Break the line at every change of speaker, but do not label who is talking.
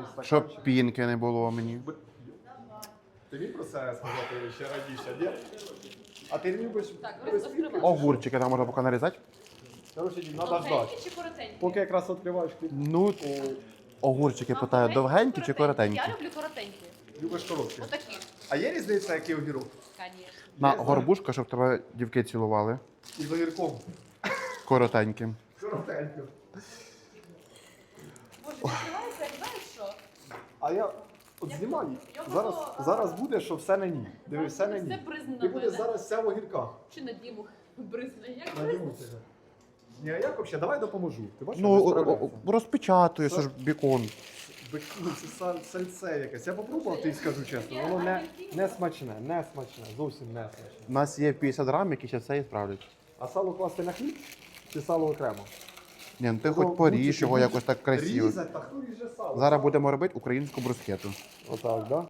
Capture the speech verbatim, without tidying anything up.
стаканчик.
Щоб пінки не було мені.
Ти міг про це сказати ще раніше, ні? А ти любиш
Так,
без
роз-
пінки?
розкривай.
Огурчики там можна поки нарізати.
Короче, Дім, треба ждати.
Довгенькі чи коротенькі?
Поки якраз відкриваєш хліб.
Ну, огурчики питаю, довгенькі чи коротенькі?
Я люблю коротенькі.
Любиш короткі.
Отакі,
А є різниця, який огірок?
звісно.
На
Я знаю.
горбушка, щоб тебе дівки цілували.
І з огірком.
Коротенькі.
Коротенько.
Боже, відкривається, як знаєш що?
А я от
Як
знімай.
я
Зараз,
буду, а,
зараз буде, що все на ній. Диви, все на
Все
ній.
бризне
Ти
на
будеш
мене.
зараз вся в огірках.
Чи на Діму бризне? Як
На
бризне?
ньому тебе. Ні, а як взагалі? Давай допоможу. Ти бачиш,
Ну,
не
о- о-
справляється.
о- розпечатую, це ж бікон.
Бек- ну, Це са- сальце якесь. Я попробував, ти скажу чесно. Воно не, не смачне, не смачне, зовсім не смачне.
У нас є п'ятдесят грам, які ще це і справлять.
А сало класти на хліб чи сало окремо?
Ні, ну ти
Ну,
хоч поріж
будь-який
його
будь-
якось так красиво.
Різать, та хто ріже сало?
Зараз будемо робити українську брускету.
Отак, да?